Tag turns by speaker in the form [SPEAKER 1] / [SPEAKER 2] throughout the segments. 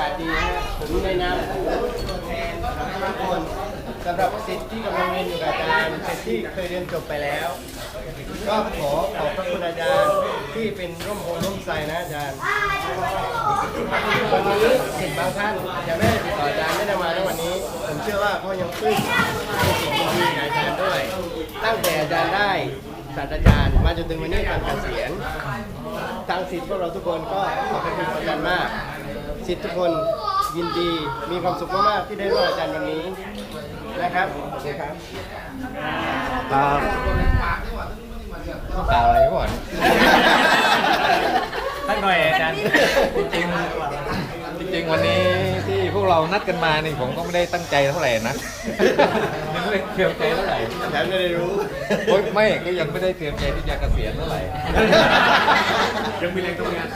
[SPEAKER 1] าศดีนะผมในนามตัวแทนทุกคนสำหรับศิษย์ที่กำลังเรียนอยู่กับอาจารย์ศิษย์ที่เคยเรียนจบไปแล้ว ก็ขอขอบพระคุณอาจารย์ที่เป็นร่มโพร่มไทรนะอาจารย์วันนี้ศิษย์บางท่านยังไม่ได้ติดต่ออาจารย์ไม่ได้มาในวันนี้ผมเชื่อว่าเขายังปลื้มในสิ่งดีๆกับอาจารย์ด้วยตั้งแต่อาจารย์ได้ศาสตราจารย์มาจนถึงวันนี้การเกษียณทางศิษย์พวกเราทุกคนก็ขอบคุณอาจารย์มากศิษย์ทุกคนยินดีมีความสุขมากๆที่ได้ร่วมอาจารย์วันนี้นะครับขอบคุณครับ
[SPEAKER 2] ต้องกล่าวอะไรก่อน
[SPEAKER 3] สักหน่อยอาจารย์
[SPEAKER 2] จริงวันนี้ที่พวกเรานัดกันมานี่ผมก็ไม่ได้ตั้งใจเท่าไหร่นะยังไม่ได้เตรียมใจเท่าไหร่
[SPEAKER 1] อาจารย์ไม่ได้รู้
[SPEAKER 2] ไม่ก็ยังไม่ได้เตรียมใจที่จะเกษียณเท่าไหร่
[SPEAKER 3] ยังมีแรงทำงาน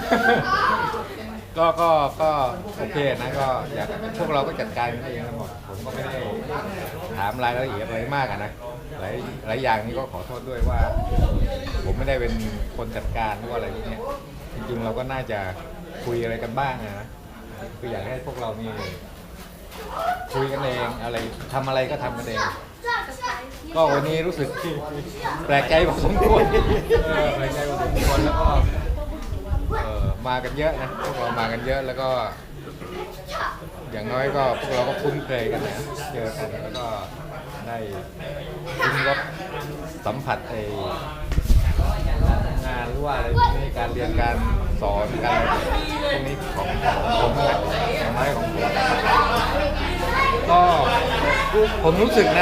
[SPEAKER 2] ก็โอเคนะก็อยากพวกเราก็จัดการกันเองทั้งหมดผมก็ไม่ได้ถามรายละเอียดอะไรมากนะหลายอย่างนี้ก็ขอโทษด้วยว่าผมไม่ได้เป็นคนจัดการหรือว่าอะไรพวกนี้จริงๆเราก็น่าจะคุยอะไรกันบ้างนะคืออยากให้พวกเรามีคุยกันเองอะไรทำอะไรก็ทำกันเองก็วันนี้รู้สึกแปลกใจพอสมควรแปลกใจพอสมควรแล้วก็มากันเยอะนะพวกเรามากันเยอะแล้วก็อย่างน้อยก็พวกเราก็คุ้นเคยกันนะเจอกันแล้วก็ได้ลิ้มรสสัมผัสงานหรือว่าอะไรในการเรียนการสอนการพวกนี้ของผมนะอย่างน้อยของผมก็ผมรู้สึก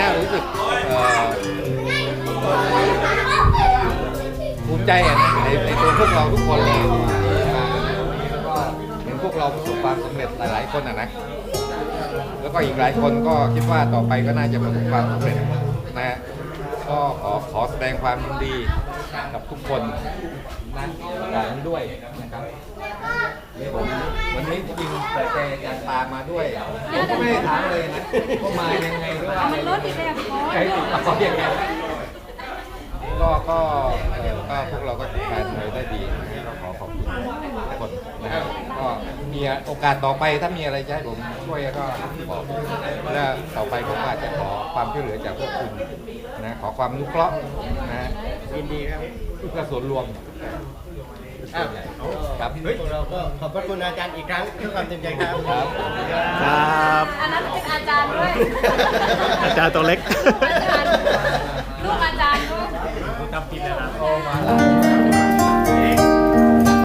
[SPEAKER 2] ภูมิใจในตัวพวกเราทุกคนเลยมาแล้วก็เห็นพวกเราประสบความสำเร็จหลายๆคนนะแล้วก็อีกหลายคนก็คิดว่าต่อไปก็น่าจะประสบความสำเร็จนะก็ขอแสดงความยินดีกับทุกคนนั่นอย่างนี้ด้วยนะครับผมวันนี้จริงแต่แกยังตามมาด้วยผมก็ไม่ได้ถามเลยนะว่ามายังไงด้วย
[SPEAKER 4] มันรถติดแบบ
[SPEAKER 2] ใครติดต่อยังไงก็พวกเราก็จัดการได้ดีก็ขอขอบคุณทุกคนนะครับก็มีโอกาสต่อไปถ้ามีอะไรจะให้ผมช่วยก็บอกแล้วต่อไปผมอาจจะขอความช่วยเหลือจากพวกคุณนะขอความนุเคราะห์นะ
[SPEAKER 1] ยินดีครับ
[SPEAKER 2] เพื่อส่วนรวมครับ
[SPEAKER 1] พวกเราก็ขอบพระคุณอาจารย์อีกครั้งด้วยความเต็มใจครับ
[SPEAKER 4] ครับอันนั้นเป็นอาจารย์ด้วย
[SPEAKER 3] อาจารย์ตัวเล็ก
[SPEAKER 4] ลูกอาจารย์ด้วย
[SPEAKER 3] ทำกินนะครับ